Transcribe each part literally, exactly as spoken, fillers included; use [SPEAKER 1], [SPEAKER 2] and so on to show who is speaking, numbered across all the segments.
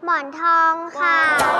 [SPEAKER 1] หมอนทองค่ะ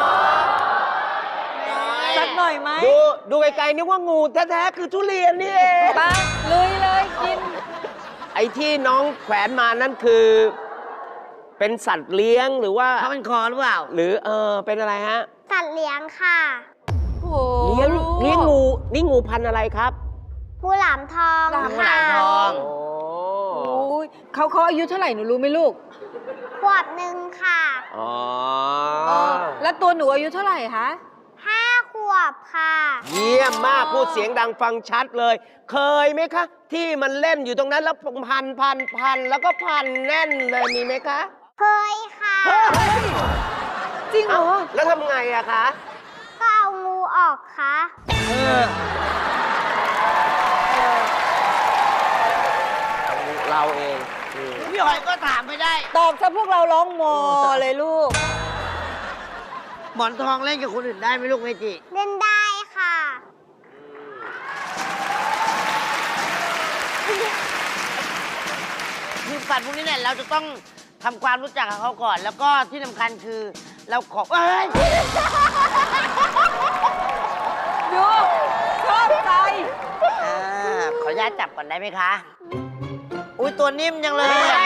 [SPEAKER 2] สักหน่อยไหม
[SPEAKER 3] ดูดูไกลๆนึกว่างูแท้ๆคือทุเรียนนี่เอง
[SPEAKER 2] ไปลุยเลยกิน
[SPEAKER 3] ไอ้ที่น้องแขวนมานั่นคือ เป็นสัตว์เลี้ยงหรือว่า
[SPEAKER 4] เขาเป็นคอหรือเปล่า
[SPEAKER 3] หรือเออเป็นอะไรฮะ
[SPEAKER 1] สัตว์เลี้ยงค่ะ
[SPEAKER 2] โอ้โห
[SPEAKER 3] เลี้ยงเลี้ยงงูนี่งูพันธุ์อะไรครับ
[SPEAKER 1] งูหลามทอง
[SPEAKER 2] หลาม
[SPEAKER 1] ค่ะ
[SPEAKER 4] ทอง
[SPEAKER 3] โอ้
[SPEAKER 2] โอ้ยเขาเขาอายุเท่าไหร่หนูรู้ไหมลูก
[SPEAKER 1] ขวบหนึ่งค่ะ
[SPEAKER 3] อ๋อ
[SPEAKER 2] แล้วตัวหนูอายุเท่าไหร่คะ
[SPEAKER 1] ห้าขวบค่ะ
[SPEAKER 3] เยี่ยมมากพูดเสียงดังฟังชัดเลย เคยไหมคะ ที่มันเล่นอยู่ตรงนั้นแล้วพันพันพันแล้วก็พันแน่นเลยมีไหมคะ
[SPEAKER 1] เคยค่ะ
[SPEAKER 2] จริงเหรอ
[SPEAKER 3] แล้วทำไงอะคะ
[SPEAKER 1] ก็เอางูออกค่ะ
[SPEAKER 3] เราเอง
[SPEAKER 4] พี่หอยก็ถามไม่ได้
[SPEAKER 2] ตอบซะพวกเราร้องโมเลยลูก
[SPEAKER 4] หมอนทองเล่นกับคนอื่นได้ไหมลูกเมจิ
[SPEAKER 1] เล่นได้ค่ะ
[SPEAKER 4] คือสัตว์พวกนี้เนี่ยเราจะต้องทำความรู้จักกับเขาก่อน แล้วก็ที่สำคัญคือเราขอเอ้ย
[SPEAKER 2] ดูชอบใจ
[SPEAKER 4] อ่าขออนุญาตจับก่อนได้ไหมคะ อุ้ยตัวนิ่มจังเลยอะ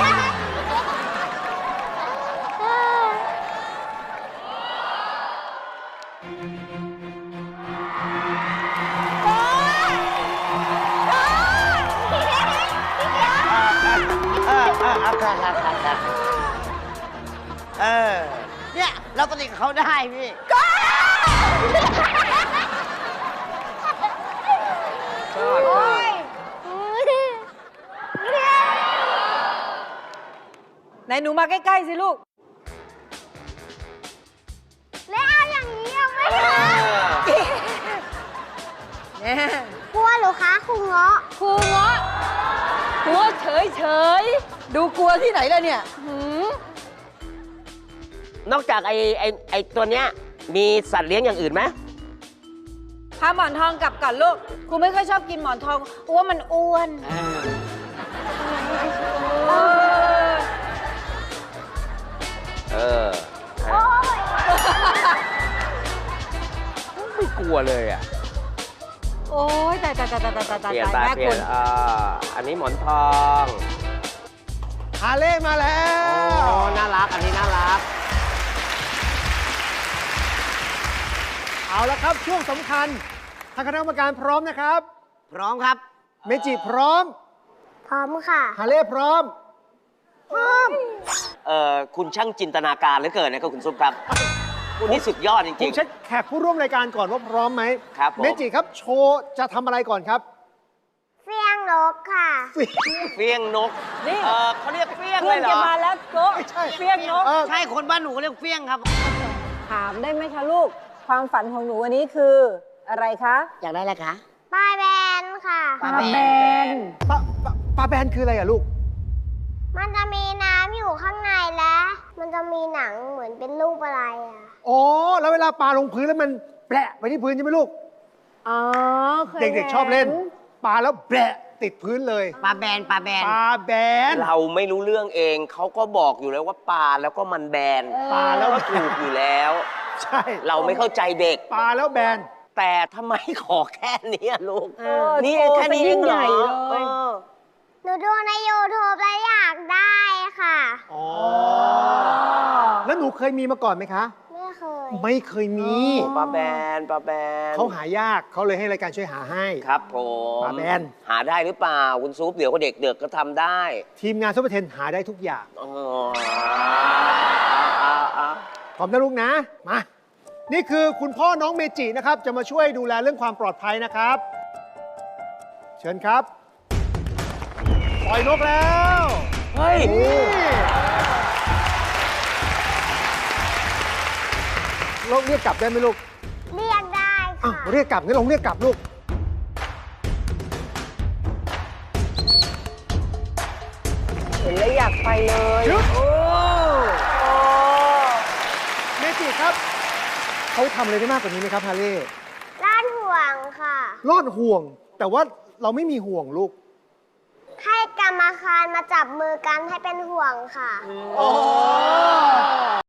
[SPEAKER 4] เออเออเอาค่ะค่ะค่ะค่ะเออ เนี่ย เราปฏิกับเขาได้พี่
[SPEAKER 3] ชอบ
[SPEAKER 2] ไหนหนูมาใกล้ ๆ สิลูก
[SPEAKER 1] แล้วเอาอย่างนี้เอาไหม
[SPEAKER 3] เอ
[SPEAKER 1] คะ
[SPEAKER 3] อ
[SPEAKER 2] เนี่ย
[SPEAKER 1] กลัวเหรือคะครูเงาะ
[SPEAKER 2] ครูเงาะกลัวเฉยๆ ดูกลัวที่ไหนล่ะเนี่ยหืม
[SPEAKER 3] นอกจากไอ้ไอ้ไอ้ตัวเนี้ยมีสัตว์เลี้ยงอย่างอื่นไหม
[SPEAKER 2] พาหมอนทองกลับก่อนลูกครูไม่ค่อยชอบกินหมอนทองอ้วนมันอ้วน
[SPEAKER 4] เออ
[SPEAKER 3] เออไม่กลัวเลยอ่ะ
[SPEAKER 2] โอ้ยตายตายตายตายตายตายตาย
[SPEAKER 3] เปลี่ยนไป
[SPEAKER 2] แม่
[SPEAKER 3] เปลี่
[SPEAKER 2] คุ
[SPEAKER 3] ยน
[SPEAKER 2] ณ
[SPEAKER 3] อ่าอันนี้หมอนทอง
[SPEAKER 5] ฮาเล่มาแล้
[SPEAKER 3] โอ้
[SPEAKER 5] ว
[SPEAKER 3] น่ารัก อันนี้น่ารัก
[SPEAKER 5] เอาละครับช่วงสำคัญทางคณะกรรมการพร้อมนะครับ
[SPEAKER 4] พร้อมครับ
[SPEAKER 5] เมจิพร้อม
[SPEAKER 1] พร้อมค่ะ
[SPEAKER 5] ฮาเล่พร้อม
[SPEAKER 1] พร้อม
[SPEAKER 3] เอ่อคุณช่างจินตนาการเหลือเกินนะครับคุณซุปครับคุณนี่สุดยอดจ
[SPEAKER 5] ผ
[SPEAKER 3] ริ
[SPEAKER 5] ม
[SPEAKER 3] ง
[SPEAKER 5] เช็คแขกผู้ร่วมรายการก่อนว่าพร้อมไหม
[SPEAKER 3] ครับผม
[SPEAKER 5] เมจิครับโชว์จะทำอะไรก่อนครับ
[SPEAKER 1] เฟี้ยงนกค่ะ
[SPEAKER 3] ๆเฟี้ยงนก
[SPEAKER 2] นี่
[SPEAKER 3] เออเขาเรียกเฟี้ยง
[SPEAKER 2] เพื่
[SPEAKER 3] เล
[SPEAKER 2] อน
[SPEAKER 3] ยเหร
[SPEAKER 2] จะ
[SPEAKER 3] อ
[SPEAKER 2] มาแล้วโก๊ะ
[SPEAKER 5] ไม่ใช่
[SPEAKER 2] เฟี้ยงนก
[SPEAKER 5] เออ
[SPEAKER 4] ใช่คนบ้านหนูก็เรียกเฟี้ยงครับ
[SPEAKER 2] ถามได้ไหมคะลูก ความฝันของหนูวันนี้คืออะไรคะ
[SPEAKER 4] อยากได้อะไรคะ
[SPEAKER 1] ปลาแบนค่ะ
[SPEAKER 4] ปลาแบน
[SPEAKER 5] ปลาปลาปลาแบนคืออะไรอะลูก
[SPEAKER 1] มันจะมีน้ำอยู่ข้างในและมันจะมีหนังเหมือนเป็นรูปอะไรอ่ะ
[SPEAKER 5] อ๋อ แล้วเวลาปลาลงพื้นแล้วมันแปะไปที่พื้นใช่ไหมลูก
[SPEAKER 2] อ๋อเคย
[SPEAKER 5] เด็กๆชอบเล่น ปลาแล้วแปะติดพื้นเลย
[SPEAKER 4] ปลาแบนปลาแบน
[SPEAKER 5] ปลาแบน
[SPEAKER 3] เราไม่รู้เรื่องเองเขาก็บอกอยู่แล้วว่าปลาแล้วก็มันแบน
[SPEAKER 5] ปลาแล้ว
[SPEAKER 3] ก็ถูกอยู่แล้ว
[SPEAKER 5] ใช่
[SPEAKER 3] เราไม่เข้าใจเด็ก
[SPEAKER 5] ปลาแล้วแบน
[SPEAKER 3] แต่ทำไมขอแค่นี้อะลูก
[SPEAKER 2] เออ
[SPEAKER 3] นี่
[SPEAKER 2] โชว์
[SPEAKER 3] แค่นี้
[SPEAKER 2] ซะ
[SPEAKER 3] เอ
[SPEAKER 2] ยิ่
[SPEAKER 3] ง
[SPEAKER 2] ง
[SPEAKER 3] เหร
[SPEAKER 2] ใหญ่
[SPEAKER 3] อ
[SPEAKER 2] เลย
[SPEAKER 3] เออ
[SPEAKER 1] หนูดูใน ยูทูบ แล้วอยากได้ค่ะ
[SPEAKER 5] อ๋อ แล้วหนูเคยมีมาก่อนไหมคะ
[SPEAKER 1] ไม่เคย
[SPEAKER 5] ไม่เคยมี
[SPEAKER 3] ปลาแบนปลาแบน
[SPEAKER 5] เขาหายากเขาเลยให้รายการช่วยหาให้
[SPEAKER 3] ครับผม
[SPEAKER 5] ปลาแบน
[SPEAKER 3] หาได้หรือเปล่าคุณซุปเดี๋ยวก็เด็กเด็กก็ทำได้
[SPEAKER 5] ทีมงานซุปเปอร์เทนหาได้ทุกอย่าง
[SPEAKER 3] อ๋อเอาเอา
[SPEAKER 5] พร้อมนะลูกนะ มา นี่คือคุณพ่อน้องเมจินะครับ จะมาช่วยดูแลเรื่องความปลอดภัยนะครับ เชิญครับ ปล่อยนกแล้ว
[SPEAKER 3] เฮ้ย
[SPEAKER 5] นี่เราเรียกกลับได้ไหมลูก
[SPEAKER 1] เรียกได้
[SPEAKER 5] อ้าว
[SPEAKER 1] ค่ะ
[SPEAKER 5] เรียกกลับงั้นลองเรียกกลับลูก
[SPEAKER 2] เห็นแล้วอยากไปเลย
[SPEAKER 5] หยุด
[SPEAKER 2] โอ้โอ้
[SPEAKER 5] เมจิครับเขาทำอะไรได้มากกว่านี้ไหมครับฮาเล่
[SPEAKER 1] ล้านห่วงค่ะ
[SPEAKER 5] รอดห่วง แต่ว่าเราไม่มีห่วงลูก
[SPEAKER 1] ให้กรรมการมาจับมือกันให้เป็นห่วงค่ะ
[SPEAKER 5] อ๋อ